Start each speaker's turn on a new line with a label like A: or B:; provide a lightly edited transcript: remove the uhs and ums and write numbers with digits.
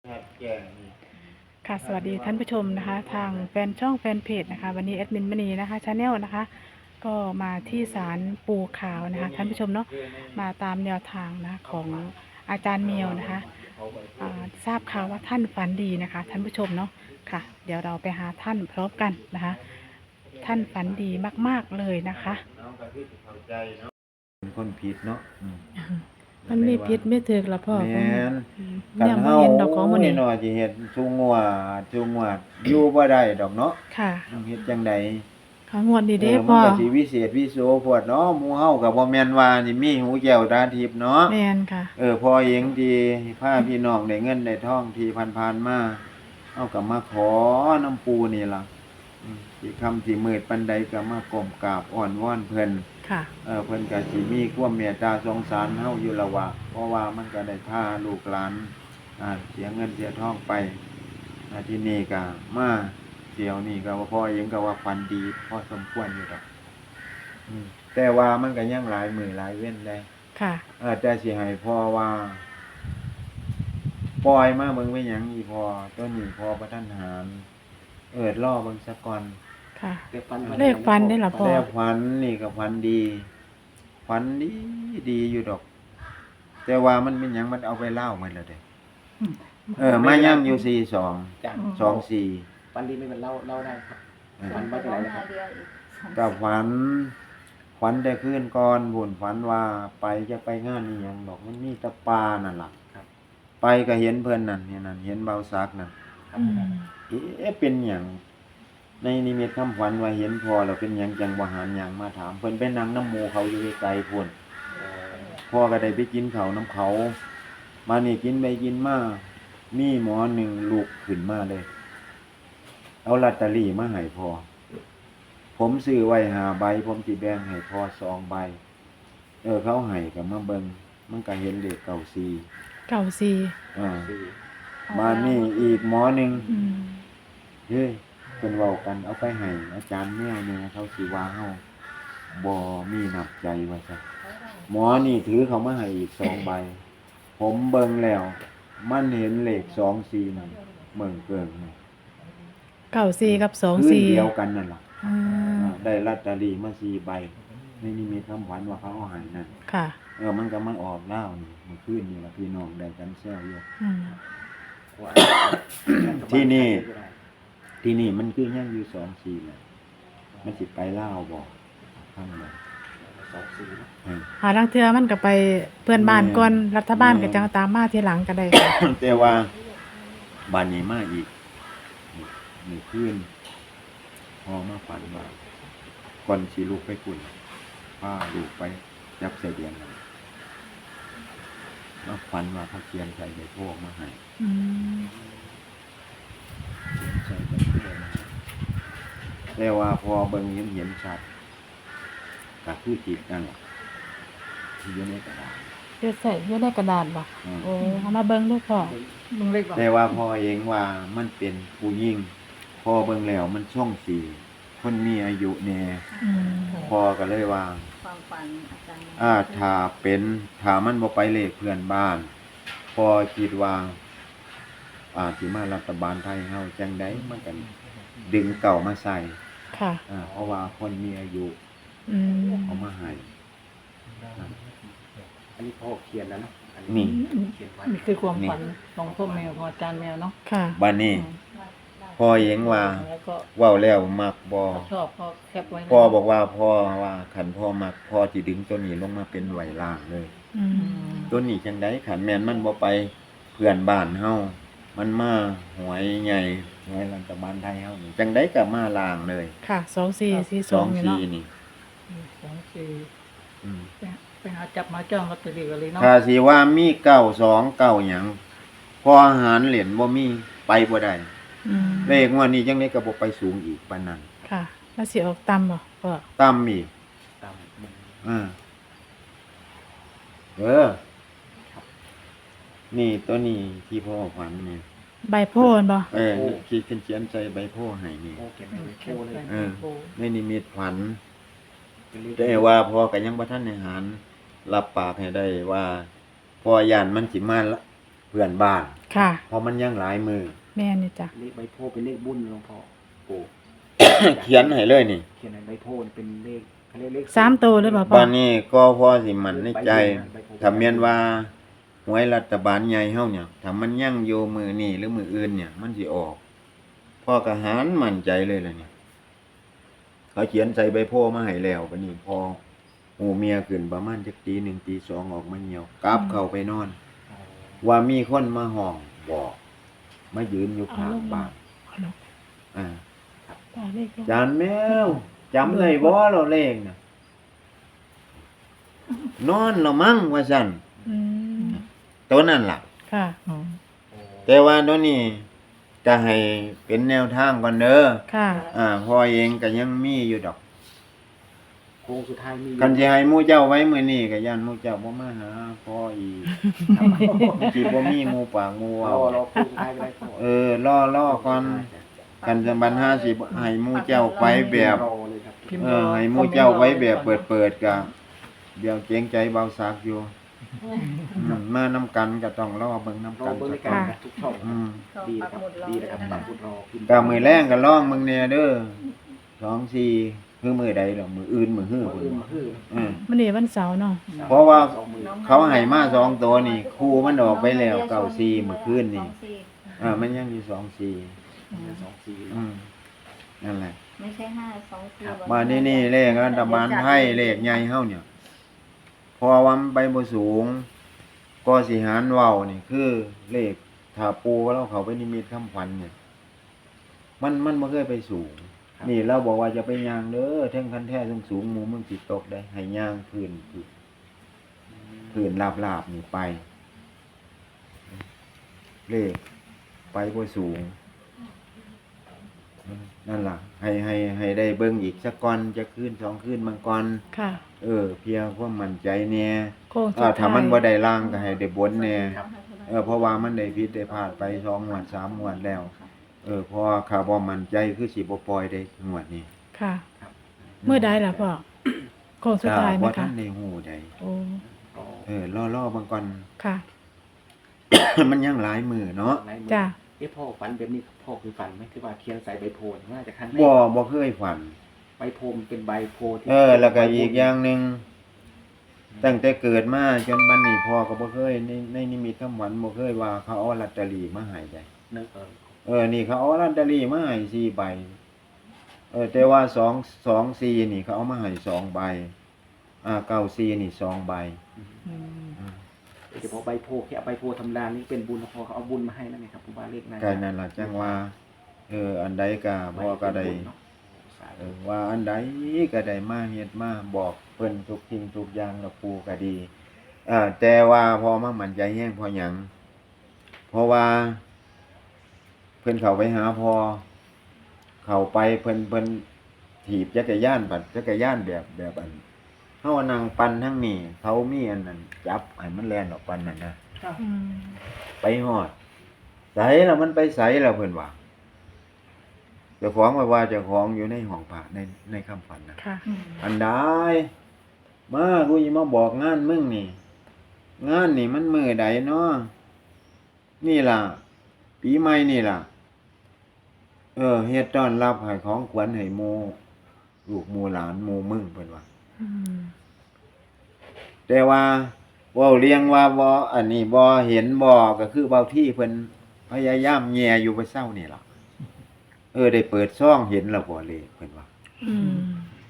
A: ครับแจ้งนี่
B: ค่ะสวัสดีท่านผู้ชมนะคะทางแฟนช่องแฟนเพจนะคะวันนี้แอดมินมณีนะคะชาแนลนะคะก็มาที่ศาลปู่ขาวนะคะท่านผู้ชมเนาะมาตามแนวทางนะของอาจารย์เมียวนะคะทราบข่าวว่าท่านฝันดีนะคะท่านผู้ชมเนาะค่ะเดี๋ยวเราไปหาท่านพร้อมกันนะคะท่านฝันดีมากๆเลยนะคะ
A: น้องก็ที่เข้าใจเนาะเป็นคนผิดเนาะ
B: มันมีพิษไม่ถึกละพ่อ
A: แม่นกั
B: เนี่ยบ่
A: นเฮา
B: เห็นดอกของมื้อนี้
A: นี่เนาะสิเฮ็ดชูงัวอยู่บ่ได้ดอกเนาะ
B: ค่ะ
A: เฮ็ดจังได๋
B: ขางวดดีเด้
A: มัน
B: พ่อ
A: ก็สิวิเศษวิโสโพดเนาะหมู่เฮาก็บ่แม่นว่าสิมีหูแก้วตาทิพย์เนาะ
B: แม่นค่ะ
A: พอเองที่พาพี่น้องได้เงินได้ทองที่ผ่านๆมาเฮาก็มาขอน้ำปูนี่ล่ะสิค่ำสิมืดปานใดก็มาก้มกราบอ้อนวอนเพิ่น
B: ค่ะ
A: เพิ่นก็สิมีความเมตตาสงสารเฮาอยู่ละว่าเพราะว่ามันก็ได้พาลูกหลานเสียเงินเสียทองไปที่นี่ก็มาเที่ยวนี่ก็ว่าพ่อเองก็ว่าฝันดีพอสมควรอยู่ดอกแต่ว่ามันก็ยังหลายมื้อหลายเว้นได้
B: ค่ะ
A: แต่สิให้พ่อว่าปล่อยมาเบิ่งไว้หยังอีพ่อตัวนี้พ่อบ่ทันหารรอเบิ่งซะก่อน
B: ค่ะเลขฟันได้ล่ะพ่อ
A: แต่ฝันนี่ก็ฝันดีฝันดีดีอยู่ดอก แต่ว่ามันเป็นหยังมันเอาไปเล่าหมดแล้วเด้มาย่ำอยู่42
C: จ้ะ
A: 24
C: ฝันดีไม่เป็นเล่าได้ครับฝันว่าจะไหนนะครับ
A: ก็ฝันแต่คืนก่อนบุญฝันว่าไปจะไปงานอีหยังดอกมันมีแตะปลานั่นล่ะ
C: ครับ
A: ไปก็เห็นเพิ่นนั่นเห็นเบาซักนั่น
B: อืม
A: เป็นหยังในนิมิตคำฝันว่าเห็นพอแล้วเป็นหยังจังบ่หารหยังมาถามเพิ่นไปนั่งน้ำหมู่เขาอยู่ไกลๆพุ่นพ่อก็ได้ไปกินข้าวน้ำเขามานี่กินไปกินมามีหมอหนึ่งลูกขึ้นมาเลยเอาลอตเตอรี่มาให้พ่อผมซื้อไว้5 ใบผมสิแบ่งให้พ่อ2 ใบเขาให้ก็มาเบิ่งมันก็เห็นเลข94
B: 94
A: มานี่อีกหมอหนึ่ง
B: อืม
A: เฮ้ยเพิ่นเว้ากันเอาไปให้อาจารย์แมวเนี่ยเขาสิว่าเฮาบ่มีน้ำใจว่าซั่นหมอนี่ถือเขามาให้อีก2 ใบผมเบิ่งแล้วมันเห็นเลข24นั่นเบิ่งเกิงนี่
B: 94กับ
A: คืนเดียวกันนั่นล่ะ
B: อืม
A: ได้ลอตเตอรี่มา4 ใบในนิมิตคำขวัญว่าเขาเอาให้นั่น
B: ค่ะ
A: มันก็มาออกแล้วนี่เมื่อคืนนี่ล่ะพี่น้องได้กันแซวอยู่
B: อืม
A: ที่นี่มันคือยังอยู่24น่ะมันสิไปลาวบ่ข้างใน
B: หาลังเทื่อมันก็ไปเพื่อนบ้านก่อนรัฐบาลก็จังตามมาทีหลังก็ได้ค่ะ
A: แต่ว่าบ้านนี้มาอีกมื้อคืนพอมาฝันว่าก่อนสิลูกไปกุ่นพาลูกไปจับใส่เดือนนั่นแล้วฝันว่าเขาเขียนใส่ใบโพกมาให้
B: อืม
A: เขียนใส่ใบโพกมาให้แต่ว่าพอเบิ่งเห็นชัดก็คือจิตนั่นแหละที่อยู่ในกระดาษ
B: เฮ็ดใส่อยู่ในกระดาษบ่
A: อืม
B: โอ้เอามาเบิ่งดูพ่อ
C: มึงเล็กบอก
A: แต่ว่าพ่อเองว่ามันเป็นผู้หญิงพอเบิ่งแล้วมันช่องสีคนมีอายุแน่
B: อืม
A: พ่อก็เลยว่า
D: ความฝันอาจารย์
A: ถ้ามันบ่ไปเลขเพื่อนบ้านพ่อคิดว่าสิมารัฐบาลไทยเฮาจังได๋มันก็ดึงเก่ามาใส่
B: ค่ะ
A: เพราะว่าคนมีอายุ
B: อืม
A: เอามาให้
C: อันนี้พ่อเขียนแล้วเนาะอั
A: นี่
C: เขียนไว้
D: นี่คือความฝันของพ่อแมวของอาจารย์แมวเนาะ
B: ค่ะ
A: บัดนี้พ่อเองว่า
D: แล้วก็
A: เว้าแล้วมักบ่
D: ชอบพ่อแคปไว้นะ
A: พ่อบอกว่าคันพ่อมักพ่อสิดึงตัวนี้ลงมาเป็นไหวล่างเลย
B: อืม
A: ตัวนี้จังได๋ขันแม่นมันบ่ไปเพื่อนบ้านเฮามันมาหวยใหญ่หวยรัฐบาลไทยเฮานี่จังได๋ก็มาล่างเลย
B: ค่ะ2442นี่เนาะ
A: 24นี่
D: 2
A: อืม
D: 4ไปหาจับมาจ้องลอตเตอรี่กันเลยเนาะ
A: ถ้าสิว่ามี929หยังพออาหารเหรียญบ่มีไปบ่ได้
B: อืม
A: เลขงวดนี้จังได๋ก็บ่ไปสูงอีกปานนั้น
B: ค่ะแล้วสิออกต่ำบ่พ่อ
A: ต่ำอีก
C: ตามมึง
A: นี่ตัวนี้ที่พ่อฝันนี่
B: ใบโพนบ่
A: คิดเขียนใส่ใบโพให้นี่
C: พ่อเขียนไว้ในโชว์เลย
A: ในนิมิตฝัน แต่ว่าพ่อก็ยังบ่ทันได้หารรับปากให้ได้ว่าพ่อย่านมันสิมาเพื่อนบ้าน
B: ค่ะ
A: เพราะมันยังหลายมือ
B: แม่นี่จ้ะ
C: เลขใบโพธิ์เป็นเลขบุญหลวงพ่อปู่
A: เขียนให้เลยนี่
C: เขียนในใบโพธิ์เป็นเลขเขาเรียกเลข
B: 3ตัวเลยบ่พ่อ
A: ตอนนี้ก็พอสิมันในใจถ้าแม่นว่าหวยรัฐบาลใหญ่เฮาเนี่ยถ้ามันยังอยู่มือนี้หรือมืออื่นเนี่ย มันสิออกพ่อก็หารมั่นใจเลยล่ะเนี่ยเขาเขียนใส่ใบโพมาให้แล้วบัดนี้พอหูเมียขึ้นประมาณจักตี1ตี2ออกมาเหี่ยวกลับเข้าไปนอน ว่ามีคนมาห้องบอกมายืนอยู่ข้างบ้าน
B: เอาลง
A: อ่า
B: ตาเลขลง
A: จานแมวจำได้บ่เราเลงน่ะนอนและมั้งว่าซั่น
B: อืม
A: ตัวนั้นล่ะ
B: ค่ะ
D: อืม
A: แต่ว่าตัวนี้จะให้เป็นแนวทางก่อนเด้อ
B: ค่ะ
A: พ่อเองก็ยังมีอยู่ดอก
C: โค้งสุดท้ายมี
A: คันสิให้หมู่เจ้าไว้มื้อนี้ก็ย่านหมู่เจ้าบ่มาหาพ่ออีก
C: ครับ
A: สิบ่มีหมู่ปากหมู่เว้าร
C: อโค้งสุดท้ายก็ได้พ่อ
A: รอก่อนกันจะบันหาสิให้หมู่เจ้าไปแบบ
C: รอเลยครับ
A: ให้หมู่เจ้าไว้แบบเปิดๆก็เดี๋ยวเกรงใจเบาซักอยู่มานำกันก็ต้องรอเบิ่งนำ
C: รอ
A: กัน
C: เบิ่ง
A: ซะ
C: ใน
A: ก่
C: กา
A: อ
C: ร
A: น
C: ทุกช่อง
A: อืม
C: ดีนะครับดีนะครับปักหมุดรอพิมพ์
A: ก็มื้อแรงก็ลองมึงแน่เด้อ2 4คือมื้อใดดอกมื้ออื่นมื้อฮื้อ
C: มือ
A: พุ่น
C: อื่นมาคือ
B: มื้อนี้วันเสาร์เนาะ
A: เพราะว่า
C: สองมือ
A: เขาให้มา2ตัวนี่ครูมันออกไปแล้ว94มื้อคืนนี่มันยังอยู่24
C: สองสี่
A: นั่นแหละ
E: ไม่ใช่5 2 4
A: มานี่เลขรัฐบาลไทยเลขใหญ่เฮาเนี่ยพอว่ามันไปบ่สูง ก็สิหารเว้านี่คือเลขถ้าปูเราเขาไปนิมิตคำขวัญเนี่ยมันบ่เคยไปสูง นี่เราบอกว่าจะไปย่างเด้อเทิงคันแท้สูงๆหมู่มึงสิตกได้ให้ย่างพื้นราบๆนี่ไป เลขไปบ่สูง นั่นล่ะ ให้ได้เบิ่งอีกสักก่อนจะคืน2คืนบางก่อน
B: ค่ะ
A: เพียงความมั่นใจแน่
B: โค้งสุดท้าย
A: ถ้ามันบ่ได้ล่างก็ให้ได้บนแน่เพราะว่ามันได้ผิดได้พลาดไป2งวด3งวดแล้วเพราะว่าข้าบ่มั่นใจคือสิบ่ปล่อยได้งวดนี้
B: ค่ะเมื่อใดล่ะพ่อโค้งสุดท้ายไหม
A: บ่ทั
B: คะ
A: นได้ฮู้ใด
B: โอ้
A: รอๆบางก่อน
B: ค่ะ
A: มันยังหลายมือเนาะ
B: จ้ะ
C: พ่อฝันแบบนี้พ่อคือฝันไหมคือว่าเขียนใส่ใบโพธิ์น่าจะครั้งแรก
A: บ่เคยฝัน
C: ใบโพธิ์มันเป็นใบโพธิ์ที่
A: แล้วก็อีกอย่างหนึงตั้งแต่เกิดมาจนบัดนี้พ่อก็บ่เคยในนิมิตคำหวันบ่เคยว่าเขาเอาลอตเตอรี่มาให้ได้
C: นึก
A: นี่เขาเอาลอตเตอรี่มาให้4ใบแต่ว่า2 4นี่เขาเอามาให้2ใบ94นี่2ใบ
B: อืม
C: เฉพาะใบโพธิ์แค่เอาใบโพธิ์ธรรมดานี่เป็นบุญพอเขาเอาบุญมาให้นั่นไงครับผมว่าเลขนั้น
A: ก็นั่นล่ะจังว่าอันใดก็พ่อก็ได้ว่าอันใดก็ได้มาเฮ็ดมาบอกเพิ่นทุกสิ่งทุกอย่างแล้วปู่ก็ดีแต่ว่าพอมามั่นใจแฮงพอหยังเพราะว่าเพิ่นเข้าไปหาพ่อเข้าไปเพิ่นถีบจักรยานแบบอันเฮานั่งปั่นทั้งนี้เขามีอันนั้นจับให้มันแล่นออกปั่นนั่นนะ
B: อืม
A: ไปฮอดไสล่ะมันไปไสล่ะเพิ่นว่าเจ้าของว่าเจ้าของอยู่ในห้องพระในคำฝันนะ
B: ค่ะ
A: อันใดมากูสิมาบอกงานมึงนี่ งานนี่มันมื้อใดเนาะนี่ล่ะ ปีใหม่นี่ล่ะเฮ็ดต้อนรับให้ของขวัญให้หมู่ลูกหมู่หลานหมู่มึงเพิ่นว่า
B: อืม
A: แต่ว่าเว้าเรียงว่าบ่อันนี้บ่เห็นบ่ก็คือเว้าที่เพิ่นพยายามแย่อยู่ไปเช้านี่ล่ะได้เปิดซ่องเห็นแล้วบ่เลยเพิ่นว่า
B: อืม